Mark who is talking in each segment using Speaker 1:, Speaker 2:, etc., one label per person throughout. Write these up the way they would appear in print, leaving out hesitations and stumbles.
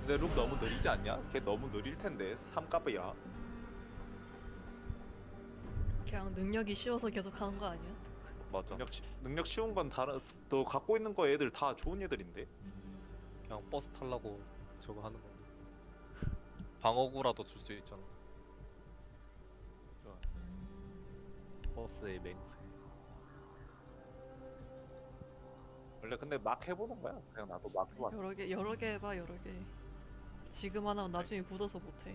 Speaker 1: 근데 룩 너무 느리지 않냐? 걔 너무 느릴 텐데 3값이야.
Speaker 2: 그냥 능력이 쉬워서 계속 하는 거 아니야?
Speaker 3: 맞아.
Speaker 1: 능력 쉬운 건 다른 너 갖고 있는 거 애들 다 좋은 애들인데.
Speaker 3: 그냥 버스 타려고 저거 하는 건데. 방어구라도 줄 수 있잖아.
Speaker 1: 좋아.
Speaker 3: 버스의 맹세.
Speaker 1: 원래 근데 막 해보는 거야. 그냥 나도 막 해봐.
Speaker 2: 여러 개 해봐 여러 개. 지금 하나면 나중에 굳어서 못해.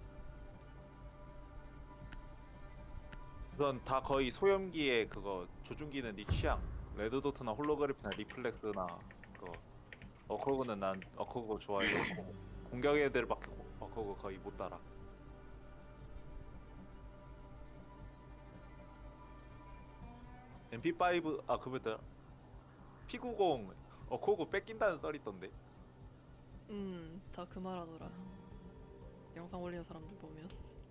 Speaker 1: 우선 다 거의 소염기에 그거 조준기는 네 취향. 레드도트나 홀로그래프나 리플렉스나 그거. 어커그는 난 어커그 좋아해. 공격 애들밖에 어커그 거의 못 따라. MP5 아 그거다. P90 어커그 뺏긴다는 썰 있던데.
Speaker 2: 다 그 말하더라. 영상 올리는 사람들 보면.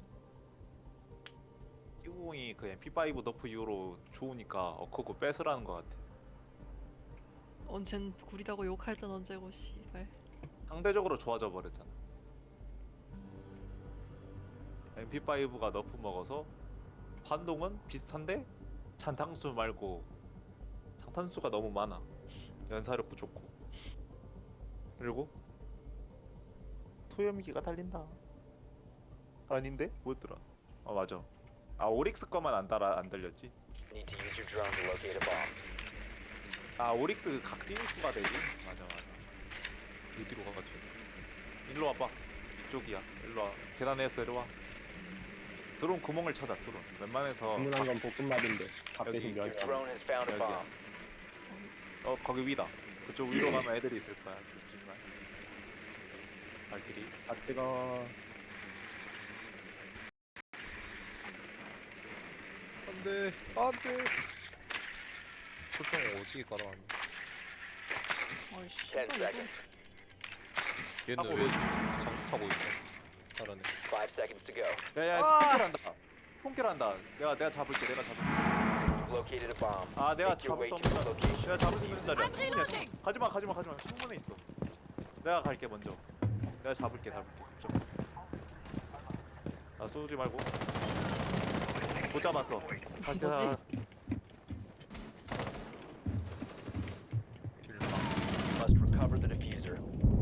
Speaker 1: P90이 그 MP5 너프 이후로 좋으니까 어커그 뺏으라는 것 같아.
Speaker 2: 언젠 구리다고 욕할 땐 언제고 씨발.
Speaker 1: 상대적으로 좋아져 버렸잖아. MP5가 너프 먹어서 반동은 비슷한데 잔탄수 말고 장탄수가 너무 많아. 연사력도 좋고. 그리고 소염기가 달린다. 아닌데? 뭐였더라? 아 맞아. 아 오릭스 거만 안 달렸지.
Speaker 4: Need to use your drone to locate a bomb.
Speaker 1: 아 오릭스 그 각진 수가 되지. 맞아.
Speaker 3: 어디로 가가지고.
Speaker 1: 일로 와봐. 이쪽이야. 일로 와. 계단에서 내려와. 드론 구멍을 찾아. 드론. 웬만해서
Speaker 5: 주문한 건 볶음밥인데 밥
Speaker 1: 여기
Speaker 5: 대신
Speaker 4: Your
Speaker 5: 면이
Speaker 4: drone has found a
Speaker 1: 여기야.
Speaker 4: bomb.
Speaker 1: 거기 위다. 그쪽 위로 가면 애들이 있을 거야. 조심만. 발길이.
Speaker 5: 다 찍어.
Speaker 3: 안돼, 안돼. 초점 오지게 깔아놨네.
Speaker 2: 아이씨.
Speaker 4: 10 seconds.
Speaker 3: 얘는
Speaker 1: 하고
Speaker 3: 왜 장수 타고 있어? 잘하네.
Speaker 4: 5 seconds to go.
Speaker 1: 야야 스폰킬한다. 스폰킬한다. 내가 잡을게. 내가 잡을게.
Speaker 4: You've located a bomb.
Speaker 1: 아 내가
Speaker 4: Make your
Speaker 1: 잡을
Speaker 4: way
Speaker 1: 수
Speaker 4: to
Speaker 1: 없는
Speaker 4: the location.
Speaker 1: 내가 잡을 수 있는 자리야.
Speaker 6: I'm reloading.
Speaker 1: 가지마. 충분히 있어. 내가 갈게 먼저. 내가 잡을게. 걱정. 아 쏘지 말고. 못 잡았어. 다시 가.
Speaker 3: 딜라.
Speaker 4: Must recover the diffuser.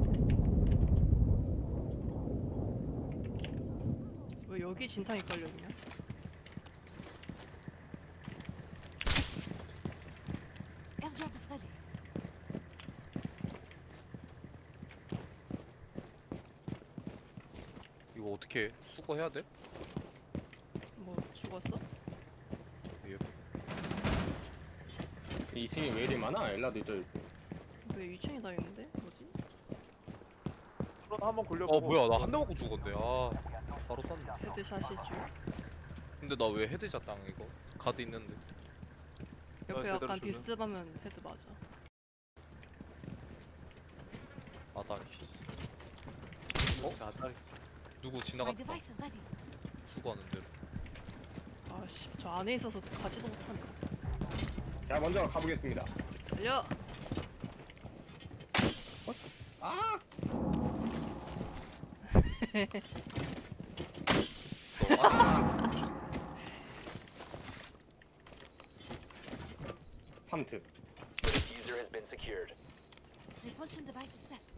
Speaker 2: 왜 여기 진탕이 깔려있냐?
Speaker 6: Airdrop is ready.
Speaker 3: 이거 어떻게 해? 수거해야 돼?
Speaker 2: 뭐 죽었어?
Speaker 3: 예.
Speaker 5: 2층이 왜 이리 많아? 엘라도 있고.
Speaker 2: 왜 2층에 다 있는데? 뭐지?
Speaker 1: 드론 한번 굴려보고.
Speaker 3: 어 뭐야, 나 한 대 맞고 죽었는데. 아, 바로 쐈네.
Speaker 2: 헤드샷이 줄.
Speaker 3: 근데 나 왜 헤드샷 당해 이거? 가드 있는데.
Speaker 2: 옆에
Speaker 1: 제대로
Speaker 2: 약간
Speaker 1: 주는?
Speaker 2: 비스듬하면 헤드 맞아.
Speaker 3: 아다리.
Speaker 1: 자, 나
Speaker 3: 누구
Speaker 6: My
Speaker 3: 지나갔다.
Speaker 6: device is ready.
Speaker 3: 수거하는 대로.
Speaker 2: 아씨 저 안에 있어서 가지도 못하네.
Speaker 5: 자 먼저 가보겠습니다.
Speaker 2: 달려!
Speaker 5: 아! 삼트.
Speaker 4: The diffuser has been secured.
Speaker 6: Repulsion device is set.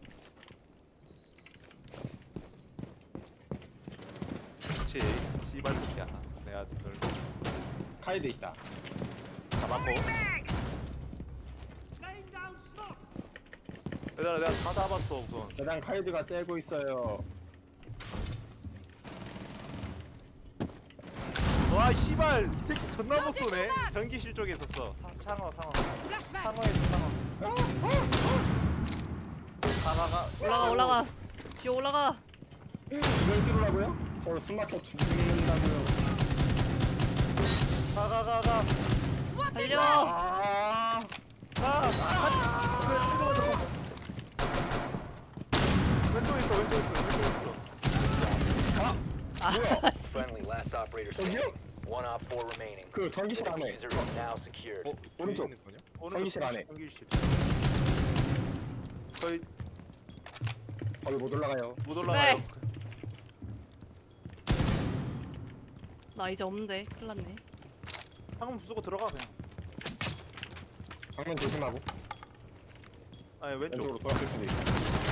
Speaker 1: 그렇지. 씨발 새끼야. 내가 널
Speaker 5: 카이드 있다.
Speaker 1: 잡았고. 얘들아 내가 다 잡았어 우선.
Speaker 5: 대단 카이드가 째고 있어요.
Speaker 1: 와 씨발 이 새끼 존나 못 쏘네. 전기실 쪽에 있었어. 상어.
Speaker 6: Flashbang.
Speaker 1: 상어에서 상어. 가가가.
Speaker 2: 올라가 뒤에 올라가.
Speaker 5: 이걸 뚫으라고요? 저를 숨막혀 죽는다고요.
Speaker 1: 가가가가.
Speaker 2: 달려!
Speaker 5: 아!
Speaker 1: 왼쪽에 있어.
Speaker 5: 뭐야?
Speaker 4: Friendly last operator
Speaker 5: 저기요?
Speaker 4: standing. One op 4 remaining.
Speaker 5: 그
Speaker 4: The
Speaker 5: 전기실 안에.
Speaker 4: diffuser is now secured.
Speaker 3: 어?
Speaker 5: 오른쪽.
Speaker 3: 있는 거냐?
Speaker 1: 오른쪽
Speaker 5: 전기실 안에.
Speaker 1: 전기실. 거의
Speaker 5: 거기 못 올라가요.
Speaker 1: 못 올라가요.
Speaker 2: 네. 나 이제 없는데 큰일 났네.
Speaker 1: 방금 부수고 들어가 그냥.
Speaker 5: 방면 조심하고
Speaker 1: 아니 왼쪽.
Speaker 5: 왼쪽으로 돌아갈 수도 있어.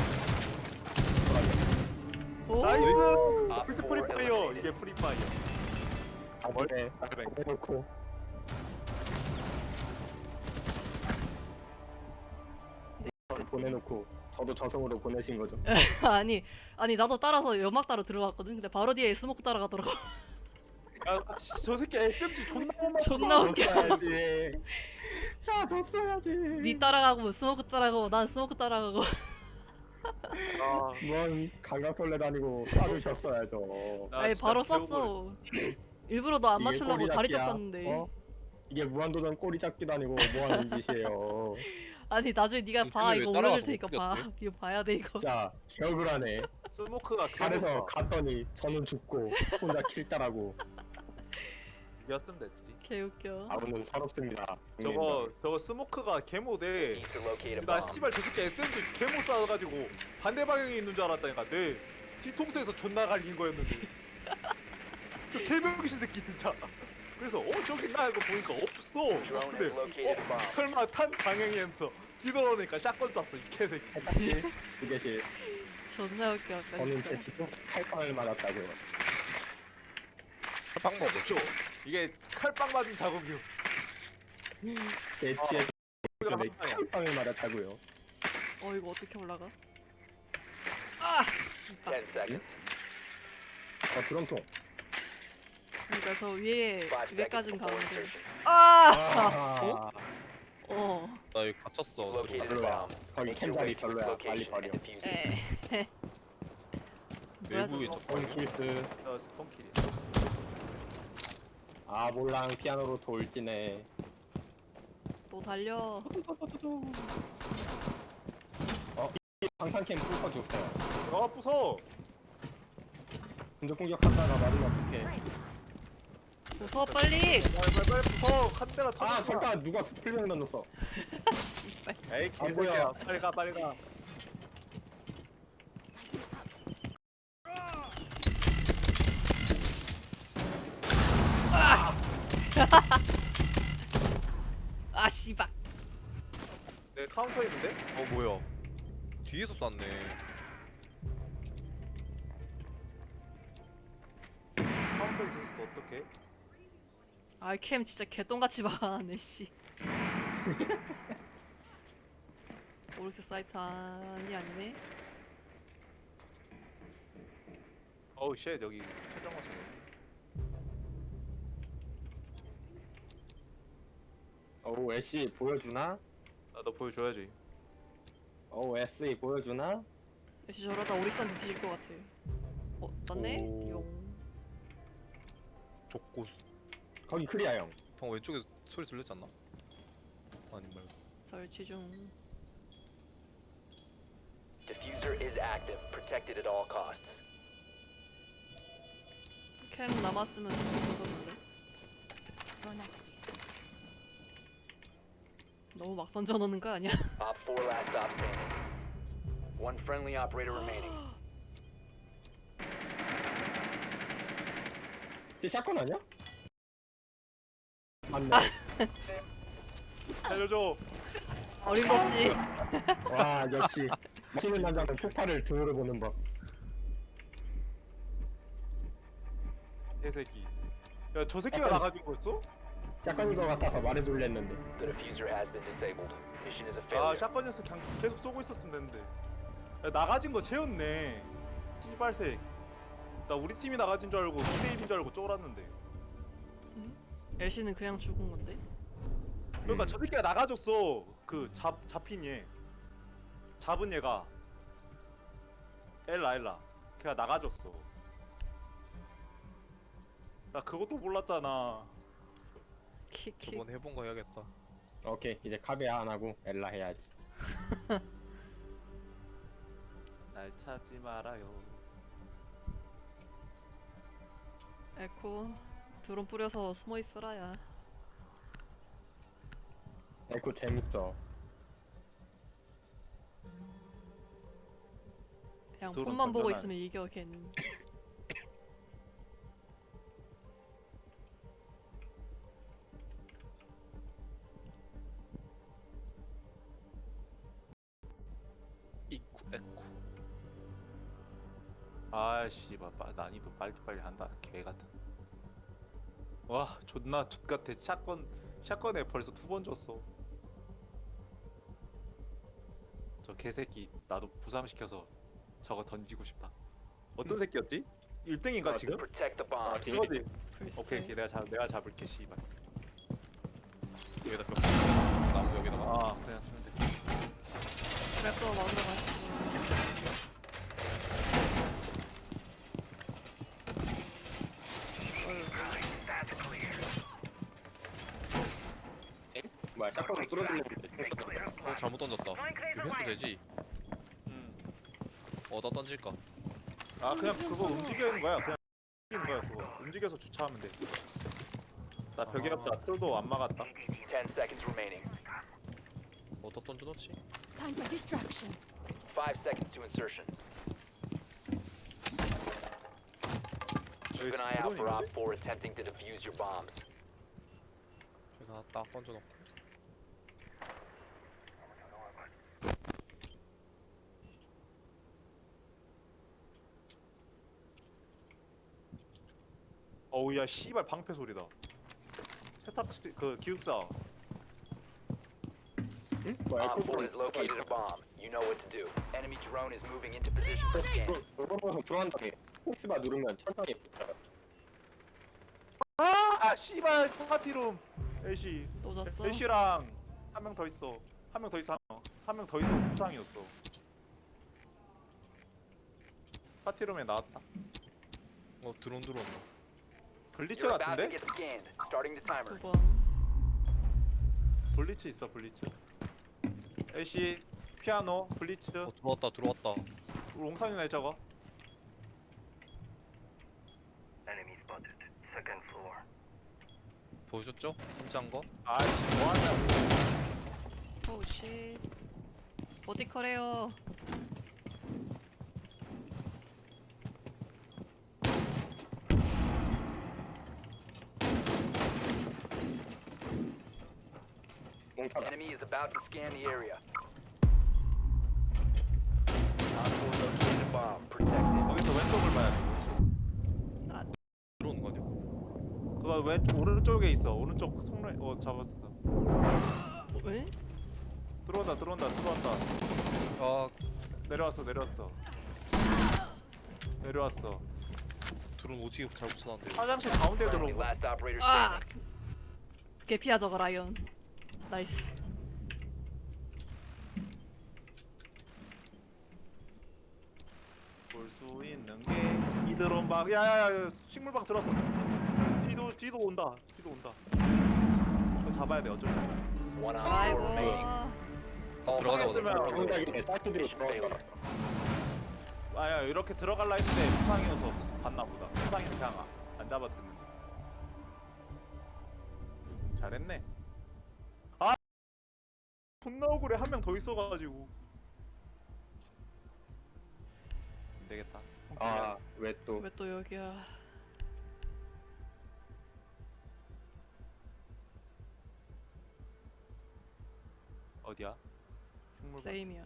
Speaker 5: 돌아가.
Speaker 2: 오!
Speaker 1: 나이스.
Speaker 4: Op
Speaker 1: 풀트
Speaker 4: 4
Speaker 1: 프리파이어.
Speaker 4: eliminated.
Speaker 1: 이게 프리파이어.
Speaker 5: 아 그래. 해놓고 보내놓고 저도 저승으로 보내신 거죠.
Speaker 2: 아니 나도 따라서 연막 따라 들어갔거든. 근데 바로 뒤에 스모크 따라가더라고.
Speaker 1: 저 새끼 SMG 존나 못 맞춰.
Speaker 2: 존나 웃겨.
Speaker 5: 줬어야지. 자 줬어야지.
Speaker 2: 니 따라가고 스모크 따라가고 난 스모크 따라가고.
Speaker 1: 아,
Speaker 5: 뭔 강강벌레 다니고 쏴주셨어야죠.
Speaker 1: 나
Speaker 2: 아니
Speaker 1: 진짜
Speaker 2: 바로
Speaker 1: 개억울해.
Speaker 2: 쐈어. 일부러 너 안
Speaker 5: 이게
Speaker 2: 맞추려고
Speaker 5: 꼬리
Speaker 2: 다리
Speaker 5: 잡기야.
Speaker 2: 쳤었는데.
Speaker 5: 어? 이게 무한도전 꼬리 잡기도 아니고 뭐하는 짓이에요.
Speaker 2: 아니 나중에 네가 봐
Speaker 3: 왜
Speaker 2: 이거
Speaker 3: 따라가서
Speaker 2: 올려줄 테니까
Speaker 3: 못
Speaker 2: 봐.
Speaker 3: 뛰었대?
Speaker 2: 이거 봐야 돼 이거.
Speaker 5: 진짜 개억울하네.
Speaker 1: 스모크가
Speaker 5: 잘해서
Speaker 1: 개무서.
Speaker 5: 갔더니 저는 죽고 혼자 킬 따라고.
Speaker 1: 이었으면 됐지.
Speaker 2: 개웃겨.
Speaker 5: 아무는 서럽습니다.
Speaker 1: 저거 스모크가 개모대.
Speaker 4: Need to locate a
Speaker 1: 나
Speaker 4: bomb.
Speaker 1: 씨발 저 새끼 SMG 개못 쏴가지고 반대 방향에 있는 줄 알았다니까. 내 뒤통수에서 존나 갈린 거였는데. 저 개병신 새끼 진짜. 그래서 저기 있나 이거 보니까 없어.
Speaker 4: Drone
Speaker 1: 근데
Speaker 4: has located a bomb.
Speaker 1: 설마 탄 방향에서 뒤돌아오니까 샷건 쐈어 이 개새끼.
Speaker 5: 똑같이 두 개씩.
Speaker 2: 존나 웃겨. 아까
Speaker 5: 저는
Speaker 2: 진짜.
Speaker 5: 제 뒤쪽 칼빵을 맞았다고요.
Speaker 3: 칼빵 먹어.
Speaker 1: 없죠. 이게 칼빵 맞은 자국이요.
Speaker 5: 제 뒤에 전에 칼빵을 맞았다고요.
Speaker 2: 이거 어떻게 올라가? 아!
Speaker 4: 10 seconds.
Speaker 5: 드럼통.
Speaker 2: 그러니까 저 위에
Speaker 4: 5 seconds
Speaker 2: 위에까진
Speaker 4: before
Speaker 2: 가는데.
Speaker 4: insertion.
Speaker 2: 아!
Speaker 5: 어?
Speaker 3: 나 여기 갇혔어.
Speaker 4: Located a
Speaker 5: 별로야.
Speaker 4: bomb.
Speaker 5: 거기
Speaker 4: Make your
Speaker 5: 캠자리
Speaker 4: way to its
Speaker 5: 별로야. 빨리
Speaker 4: location
Speaker 5: 버려.
Speaker 4: and defuse it.
Speaker 2: 에. 뭐야
Speaker 3: 외부에
Speaker 2: 저거?
Speaker 3: 저
Speaker 5: 킬스.
Speaker 1: 저 스폰킬이.
Speaker 5: 아 몰랑 피아노로 돌지네.
Speaker 2: 또 달려.
Speaker 5: 방탄캠 뚫어줬어요.
Speaker 1: 부서.
Speaker 5: 근접 공격하다가 맞으면 어떡해.
Speaker 2: 무서워 빨리.
Speaker 1: 빨리 부서. 한 대가 터졌어.
Speaker 5: 아 잠깐 누가 스플링 넣었어.
Speaker 1: 에이
Speaker 5: 안
Speaker 1: 개새끼야.
Speaker 5: 보여.
Speaker 1: 빨리 가 빨리 가.
Speaker 2: 아 씨발.
Speaker 1: 내 카운터 있는데?
Speaker 3: 뭐야? 뒤에서 쐈네.
Speaker 1: 카운터 있었어 어떡해?
Speaker 2: 아캠 진짜 개똥같이 막아네 씨. 오르크 사이트 아니네.
Speaker 1: 어우 쉣 여기 최종 화성.
Speaker 5: 어우 애쉬 보여주나?
Speaker 1: 나도 보여줘야지.
Speaker 5: 어우 SE 보여주나?
Speaker 2: 역시 저러다 오릭산한테 뒤질 것 같아. 맞네?
Speaker 5: 오.
Speaker 2: 용.
Speaker 3: 족고수.
Speaker 5: 거기 크리아 형.
Speaker 3: 방금 왼쪽에 소리 들렸지 않나? 아니 말고.
Speaker 2: 설치 중.
Speaker 4: Diffuser is active. Protected at all costs.
Speaker 2: 캠 남았으면 좋겠었는데.
Speaker 6: Drone activated.
Speaker 2: 너무 막 던져놓는 거 아니야?
Speaker 4: Op 4 last stop standing. One friendly operator remaining.
Speaker 5: 쟤 샷건 아니야? 맞네.
Speaker 1: 살려줘.
Speaker 2: 어림없지.
Speaker 5: 와 역시 치는 남자는 폭발을 등으로 보는 법.
Speaker 1: 개새끼. 야 저 새끼가
Speaker 5: 약간-
Speaker 1: 나가지고 있어?
Speaker 5: 샷건인 것 같아서 말해줄래 했는데.
Speaker 4: The diffuser has been disabled. Mission is a
Speaker 1: 아
Speaker 4: failure.
Speaker 1: 샷건이었어 그냥 계속 쏘고 있었으면 되는데. 야, 나가진 거 채웠네. 씨발색. 나 우리 팀이 나가진 줄 알고 2대1인 줄 알고 쫄았는데.
Speaker 2: 엘씨는 그냥 죽은 건데.
Speaker 1: 그러니까 저 새끼가 나가줬어. 그 잡힌 얘. 잡은 얘가. 엘라. 걔가 나가줬어. 나 그것도 몰랐잖아.
Speaker 2: 킥킥.
Speaker 3: 저번에 해본 거 해야겠다.
Speaker 5: 오케이 이제 카베아 안 하고 엘라 해야지.
Speaker 1: 날 찾지 말아요.
Speaker 2: 에코. 드론 뿌려서 숨어 있어라야.
Speaker 5: 에코 재밌어.
Speaker 2: 그냥
Speaker 1: 드론
Speaker 2: 폰만 보고
Speaker 1: 던져놔.
Speaker 2: 있으면 이겨 걔는.
Speaker 3: 입구 에코.
Speaker 1: 아씨, 난이도 빨리 한다. 개 같아. 와, 존나 족 같아. 샷건에 벌써 2번 줬어. 저 개새끼 나도 부상시켜서 저거 던지고 싶다. 어떤 새끼였지? 1등인가 지금?
Speaker 4: Protect the bomb.
Speaker 1: 그거지.
Speaker 2: 글쎄.
Speaker 1: 오케이, 내가 잡을게 씨발.
Speaker 3: 여기다 벽 치면 나무 여기다가.
Speaker 1: 아, 그냥 치면 돼.
Speaker 2: 그래서 막으러 가시고.
Speaker 5: 뭐야 샷건을 뚫어주려고
Speaker 3: 잘못 던졌다. 이거 회수 되지? 어디다 던질까?
Speaker 1: 아, 그냥 그거 움직이는 거야. 그냥 움직이는 거야. 그거 움직여서 주차하면 돼. 나 벽에
Speaker 3: 아.
Speaker 1: 없다. 뚫도 안 막았다.
Speaker 4: 10 seconds remaining.
Speaker 3: 어디다 던져놓지?
Speaker 6: Time for distraction.
Speaker 4: 5 seconds to insertion. Keep an eye out for Op 4 attempting to defuse your bombs.
Speaker 3: 여기다 딱 던져놓고.
Speaker 1: 어우 야 씨발 방패 소리다. 세탁기 그 기숙사.
Speaker 5: 응? 뭐야
Speaker 4: Op 4
Speaker 5: 에코볼
Speaker 4: has located a bomb. You know what to do. Enemy drone is moving into position for scan.
Speaker 5: 로봇으로 들어간 다음에 포스바 누르면 천장에 붙어요.
Speaker 1: 아 씨발 파티룸. 애쉬.
Speaker 2: 또 잤어?
Speaker 1: 애쉬랑 한 명 더 있어. 한 명 더 있어. 한 명 더 있어. 부상이었어. 파티룸에 나왔다.
Speaker 3: 드론 들어온다.
Speaker 1: 블리츠
Speaker 4: You're about to
Speaker 1: 같은데?
Speaker 4: get scanned. Starting the timer.
Speaker 2: 2번.
Speaker 1: 블리츠 있어 블리츠. 애쉬 피아노 블리츠.
Speaker 3: 들어왔다.
Speaker 1: 롱산이네 저거.
Speaker 3: 보셨죠? 던진 거?
Speaker 1: 아이씨 뭐하냐.
Speaker 2: 오우 씨. 버티컬해요.
Speaker 5: 몽타다.
Speaker 4: Enemy is about to scan the area. Op 4 located a bomb. Protect it.
Speaker 1: 여기서 왼쪽을 봐야 돼.
Speaker 3: 들어오는 거 아니야?
Speaker 1: 그거 왼 오른쪽에 있어. 오른쪽 통로에 잡았어.
Speaker 2: 왜?
Speaker 1: 들어온다.
Speaker 3: 아
Speaker 1: 내려왔어. 내려왔어.
Speaker 3: 드론 오지게 잘 붙여놨는데.
Speaker 1: 화장실 가운데
Speaker 4: Friendly
Speaker 1: 들어오고.
Speaker 4: last operator
Speaker 2: 아!
Speaker 4: standing.
Speaker 2: 개피야 저거 라이언. 나이스.
Speaker 1: 볼 수 있는 게 이드론 방. 야야야 식물방 들어왔어. 뒤도 온다. 그거 잡아야 돼. 어쩔 수 없어.
Speaker 4: One Op 4
Speaker 2: 아이고.
Speaker 4: remaining.
Speaker 3: 들어가자마자
Speaker 5: 정작에 사이트들이 들어왔다.
Speaker 1: 아야 이렇게 들어갈라 했는데 부상이어서 갔나 보다. 부상이 그냥 안 잡아듣는데. 잘했네. 아 존나 억울해. 한 명 더 있어가지고. 안 되겠다.
Speaker 5: 아왜 또
Speaker 2: 왜 또 여기야?
Speaker 1: 어디야? 식물방.
Speaker 2: 세임이야.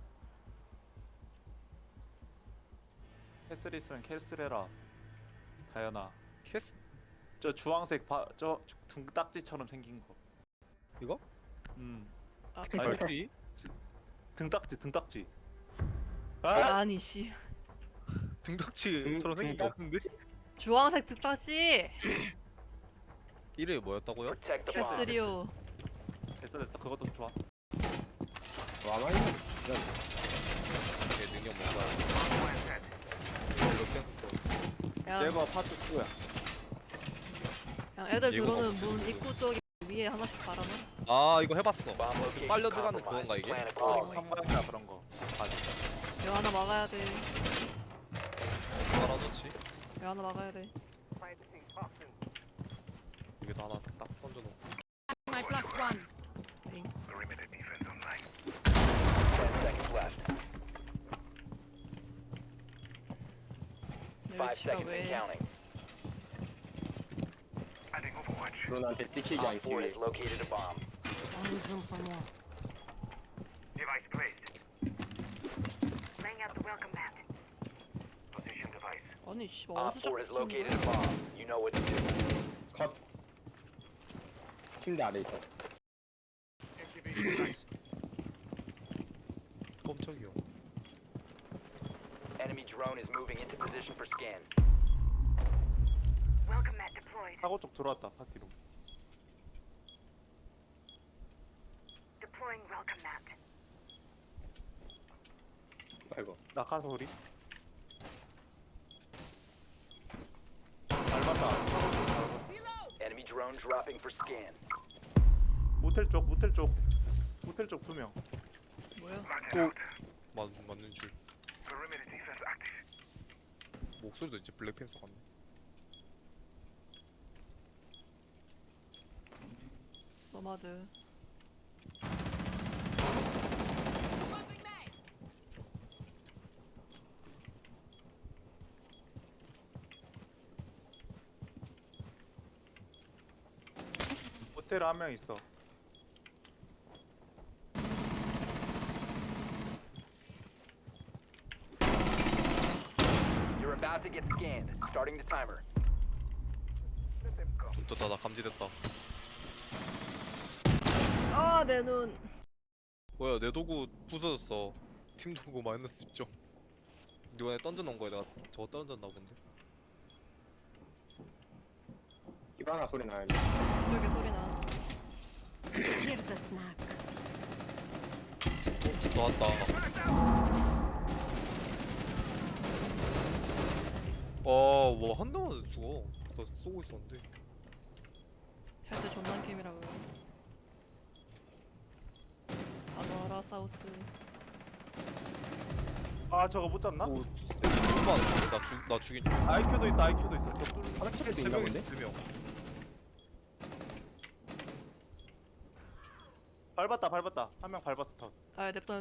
Speaker 1: 캐슬 있으면 캐슬 해라. 다현아.
Speaker 3: 캐스
Speaker 1: 저 주황색 저 등딱지처럼 생긴 거.
Speaker 3: 이거?
Speaker 2: 아,
Speaker 3: 발길이?
Speaker 1: 등딱지. 아!
Speaker 2: 아니 씨.
Speaker 3: 등딱지처럼 생긴 거 없는데?
Speaker 2: 주황색 득다지.
Speaker 3: 이름이 뭐였다고요?
Speaker 4: Protect the bomb.
Speaker 2: 캐스리오.
Speaker 1: 됐어. 그것도 좋아.
Speaker 5: 와마이는
Speaker 3: 얘 능력 뭔가요? 이거 땡스.
Speaker 2: 야,
Speaker 1: 제거 파트 2야.
Speaker 2: 야 애들
Speaker 3: 예고가
Speaker 2: 들어오는
Speaker 3: 없지,
Speaker 2: 문
Speaker 3: 지금.
Speaker 2: 입구 쪽에 위에 하나씩 달아놔.
Speaker 3: 아 이거 해봤어.
Speaker 4: Bomb location
Speaker 3: 빨려 들어가는
Speaker 4: compromised.
Speaker 3: 그건가 이게?
Speaker 4: Plan accordingly.
Speaker 1: 성광이나 그런 거. 맞아.
Speaker 2: 이거 하나 막아야 돼.
Speaker 3: 알아놓지?
Speaker 2: 이거 하나 막아야 돼.
Speaker 3: 여기다 하나 딱 던져놓고.
Speaker 6: My plus one.
Speaker 4: 10 seconds left. 5
Speaker 2: 치가
Speaker 4: seconds and
Speaker 2: 왜?
Speaker 4: counting.
Speaker 5: 드론한테 찍히지
Speaker 4: Op
Speaker 5: 않기
Speaker 4: 4
Speaker 5: 위해.
Speaker 4: has located a bomb.
Speaker 6: Always room for more.
Speaker 7: Laying out the welcome mat.
Speaker 2: 아니 씨
Speaker 4: Op
Speaker 2: 어디서
Speaker 4: 4 has
Speaker 2: 자꾸
Speaker 4: located a
Speaker 2: 찾는 거야?
Speaker 4: bomb. You know what to do.
Speaker 5: 컷. 침대 아래 있어.
Speaker 3: 깜짝이야.
Speaker 4: Enemy drone is moving into position for scan.
Speaker 7: Welcome mat deployed.
Speaker 1: 사고 쪽 들어왔다 파티로.
Speaker 7: Deploying welcome mat.
Speaker 5: 아이고.
Speaker 1: 낙하 소리. 밟았다.
Speaker 4: Enemy drone dropping for scan.
Speaker 1: 모텔 쪽 모텔 쪽 모텔 쪽 2명.
Speaker 2: 뭐야?
Speaker 3: 맞는 줄. 목소리도 이제 블랙팬서 같네.
Speaker 2: 너마드.
Speaker 1: 모텔에 한 명 있어.
Speaker 4: You're about to get scanned. Starting the timer.
Speaker 3: 됐다, 나 감지됐다.
Speaker 2: 아 내 눈.
Speaker 3: 뭐야, 내 도구 부서졌어. 팀 도구 마이너스 10점. 누가 내 던져놓은 거야? 내가 저거 던졌나 본데.
Speaker 5: 히바나 소리 나요.
Speaker 2: 저기 소리 나.
Speaker 6: Here's a snack.
Speaker 3: 나왔다. 뭐 한 대만 죽어. 나 쏘고 있었는데.
Speaker 2: 헬스 존나 게임이라고요. 아노아라 사우스.
Speaker 1: 아 저거 못 잡나?
Speaker 3: 오, 잠깐만. 나 죽인 줄.
Speaker 1: IQ도 있어 IQ도 있어. 벽돌.
Speaker 5: 화장실에도
Speaker 3: 세
Speaker 5: 있나
Speaker 3: 명이
Speaker 5: 본데?
Speaker 3: 3명.
Speaker 1: 밟았다. 한 명 밟았어 더.
Speaker 2: 아 냅둬.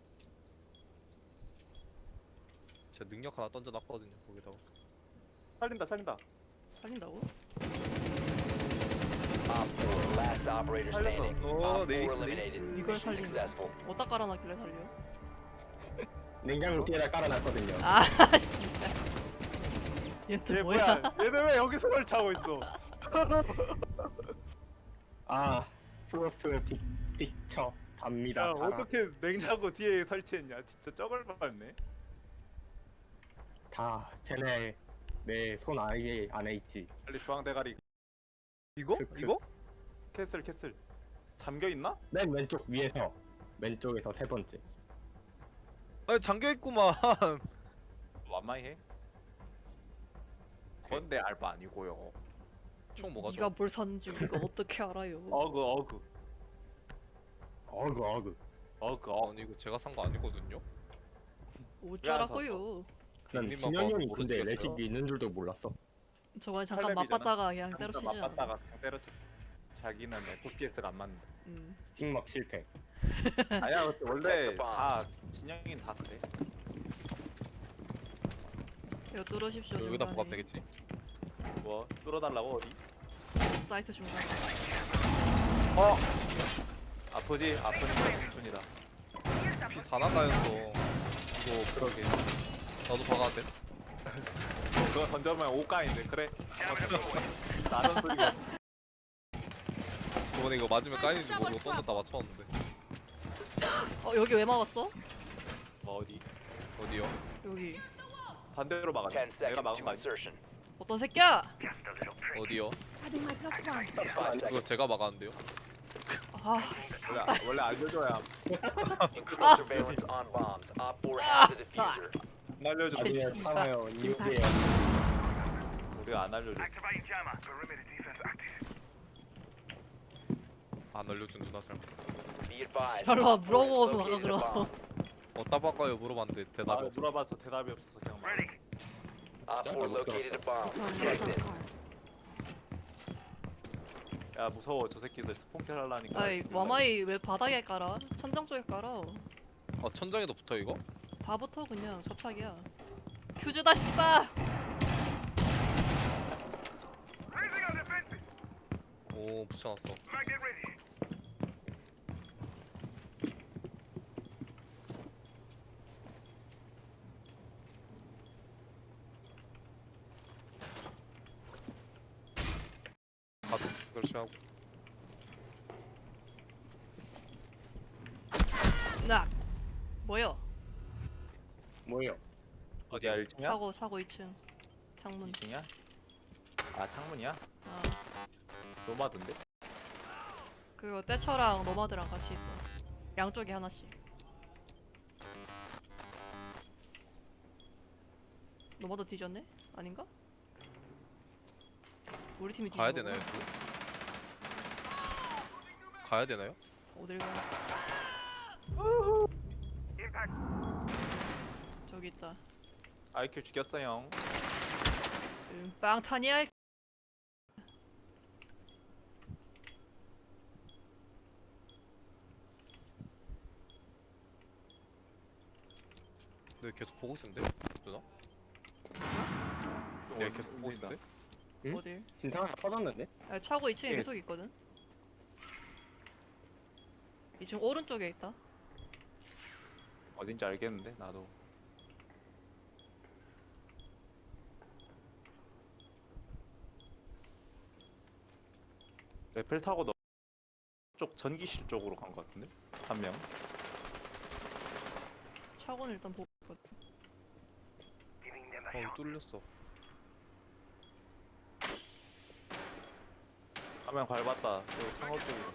Speaker 3: 제 능력 하나 던져놨거든요. 거기다가.
Speaker 1: 살린다.
Speaker 2: 살린다고?
Speaker 4: Op 4, last operator
Speaker 1: 살렸어.
Speaker 4: standing.
Speaker 3: 어,
Speaker 4: Op 4
Speaker 3: 네이스,
Speaker 4: eliminated.
Speaker 3: 네이스.
Speaker 2: 이걸
Speaker 4: Mission
Speaker 2: 살린다.
Speaker 4: successful.
Speaker 2: 어디다 깔아놨길래 살려?
Speaker 5: 냉장고 뒤에다 깔아놨거든요.
Speaker 2: 아 진짜. 얘또
Speaker 1: 얘
Speaker 2: 뭐야?
Speaker 1: 뭐야? 얘는 왜 여기서 설치하고 있어?
Speaker 5: 아, 프로스트 픽처 답니다.
Speaker 1: 야
Speaker 5: 달아.
Speaker 1: 어떻게 냉장고 뒤에 설치했냐? 진짜 쩍을 밟네.
Speaker 5: 다 쟤네 내 손 아예 안에 있지.
Speaker 1: 빨리 주황 대가리
Speaker 3: 이거?
Speaker 5: 그-
Speaker 3: 이거?
Speaker 1: 캐슬 잠겨 있나?
Speaker 5: 맨 왼쪽 위에서 왼쪽에서 세 번째.
Speaker 3: 아니 잠겨있구만.
Speaker 1: 완마이 해. 그건 내 알바 아니고요.
Speaker 3: 총 뭐가
Speaker 2: 네가
Speaker 3: 좋아?
Speaker 2: 뭘 샀는지 우리가 어떻게 알아요?
Speaker 1: 어그
Speaker 5: 어그.
Speaker 3: 아니 이거 제가 산 거 아니거든요.
Speaker 2: 어쩌라고요?
Speaker 5: 난
Speaker 3: 형님만
Speaker 5: 진영이 형이
Speaker 3: 봐도
Speaker 5: 근데
Speaker 3: 모르시겠어요?
Speaker 5: 레식이 있는 줄도 몰랐어.
Speaker 2: 저번에 잠깐
Speaker 1: 할래비잖아.
Speaker 2: 맛봤다가 그냥
Speaker 1: 진짜
Speaker 2: 때려치지 않아?
Speaker 1: 맞봤다가 그냥 때려쳤어. 자기는 FPS가 안 맞는다.
Speaker 5: 찍먹 실패.
Speaker 1: 아니야 원래 다 진영이는 다 그래.
Speaker 2: 이거 뚫으십시오.
Speaker 3: 여기다
Speaker 2: 중간에.
Speaker 3: 부합 되겠지?
Speaker 1: 뭐 뚫어달라고 어디?
Speaker 2: 사이트 중간.
Speaker 1: 아프지? 아프니까 청춘이다.
Speaker 3: 피 4나가였어. 이거 그러게. 나도 박아야 돼?
Speaker 1: 그거 던져보면 5가인데 그래? 나는 소리가
Speaker 3: 저번에 이거 맞으면 까이는지 모르고 던졌다 맞췄는데.
Speaker 2: 여기 왜 막았어?
Speaker 1: 뭐 어디?
Speaker 3: 어디요?
Speaker 2: 여기.
Speaker 1: 반대로
Speaker 4: 10
Speaker 1: 막았네. 내가
Speaker 4: seconds
Speaker 1: 막은
Speaker 4: to
Speaker 1: 거 아니야?
Speaker 4: insertion.
Speaker 2: 어떤 새끼야?
Speaker 3: 어디요?
Speaker 6: Adding my plus one.
Speaker 4: 5
Speaker 3: 이거
Speaker 4: seconds.
Speaker 3: 제가 막았는데요?
Speaker 2: 아,
Speaker 1: 원래 알려줘야
Speaker 4: Increase surveillance on bombs. Op 4 has the diffuser.
Speaker 1: 안 알려줘.
Speaker 5: 나중에 참아요. 이후에요.
Speaker 1: 우리가 안 알려줬어.
Speaker 3: 안 알려준 누나 잘못.
Speaker 4: Be advised.
Speaker 2: 별로
Speaker 4: Op 4 has
Speaker 2: 물어보고
Speaker 4: located a
Speaker 2: 나가 그럼.
Speaker 4: bomb.
Speaker 3: 어디다 바꿔요 물어봤는데
Speaker 1: 아,
Speaker 3: 대답이 없어.
Speaker 1: 물어봐서 대답이 없어서 그냥 말.
Speaker 4: Op 4 located a bomb.
Speaker 6: Deploying
Speaker 4: Protect
Speaker 6: welcome
Speaker 4: it.
Speaker 6: card.
Speaker 1: 야 무서워 저 새끼들 스폰킬 하려니까.
Speaker 2: 아이 와마이 왜 바닥에 깔아? 천장 쪽에 깔아.
Speaker 3: 아 천장에도 붙어 이거?
Speaker 2: 다 붙어 그냥 접착이야. 퓨즈다 씨발.
Speaker 3: 오 붙여놨어. 가도 설치하고.
Speaker 2: 나 뭐야?
Speaker 5: 뭐예요?
Speaker 1: 어디야 1층이야?
Speaker 2: 차고 2층 창문.
Speaker 1: 2층이야? 아 창문이야?
Speaker 2: 아
Speaker 1: 노마드인데?
Speaker 2: 그거 떼처랑 노마드랑 같이 있어. 양쪽에 하나씩. 노마드 뒤졌네? 아닌가? 우리 팀이
Speaker 3: 가야
Speaker 2: 뒤진
Speaker 3: 되나요?
Speaker 2: 거구나.
Speaker 3: 가야 되나요?
Speaker 2: 어딜 가? 저기 있다.
Speaker 1: IQ 죽였어 형.
Speaker 2: 빵타니알.
Speaker 3: 네 계속 보고 있으면 돼? 누나? 네 계속 보고 있으면 돼?
Speaker 5: 응?
Speaker 2: 어딜?
Speaker 5: 진탕 하나 터졌는데?
Speaker 2: 아, 차고 2층에
Speaker 1: 예.
Speaker 2: 계속 있거든. 2층 오른쪽에 있다.
Speaker 1: 어딘지 알겠는데 나도. 레펠 타고 너 쪽 전기실 쪽으로 간 것 같은데? 한 명.
Speaker 2: 차고는 일단 보고 있거든.
Speaker 3: 어 뚫렸어.
Speaker 1: 한 명 밟았다. 여기 창호 쪽으로.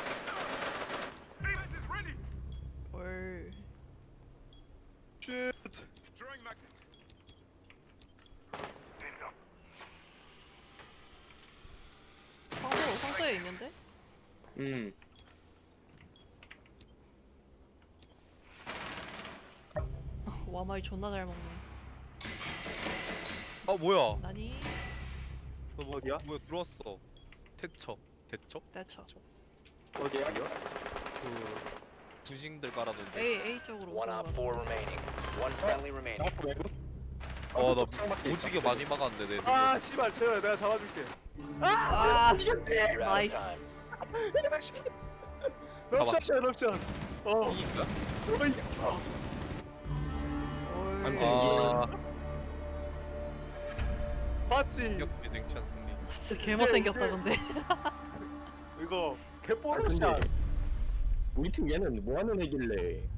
Speaker 2: 헐.
Speaker 3: 쉣.
Speaker 2: 상소에 있는데? 와마이 존나 잘 먹네.
Speaker 3: 아 뭐야?
Speaker 2: 나니?
Speaker 3: 너 뭐,
Speaker 1: 어디야?
Speaker 3: 뭐야 들어왔어. 대처. 대처?
Speaker 2: 대처.
Speaker 5: 어디야?
Speaker 3: 그 부싱들 깔아놓은데.
Speaker 2: A 쪽으로
Speaker 4: One op
Speaker 2: 올라가.
Speaker 4: 4 remaining. One friendly remaining.
Speaker 5: 나프 외부?
Speaker 3: 어나
Speaker 5: 창밖에
Speaker 3: 오지게
Speaker 5: 있다.
Speaker 3: 많이 막았는데 내.
Speaker 1: 아 씨발 재호야 내가 잡아줄게.
Speaker 2: 아,
Speaker 4: You're out
Speaker 2: Nice.
Speaker 4: of time.
Speaker 1: 럽샷이야 럽샷. 어.
Speaker 3: 이긴가?
Speaker 1: 어 이겼어.
Speaker 5: 안 돼.
Speaker 3: 아
Speaker 1: 맞지?
Speaker 3: 기억비 냉찬 승리.
Speaker 2: 진짜 개못생겼다 근데.
Speaker 1: 이거
Speaker 5: 아,
Speaker 1: 개뽀르샷.
Speaker 5: 근데 우리 팀 얘는 뭐 하는 애길래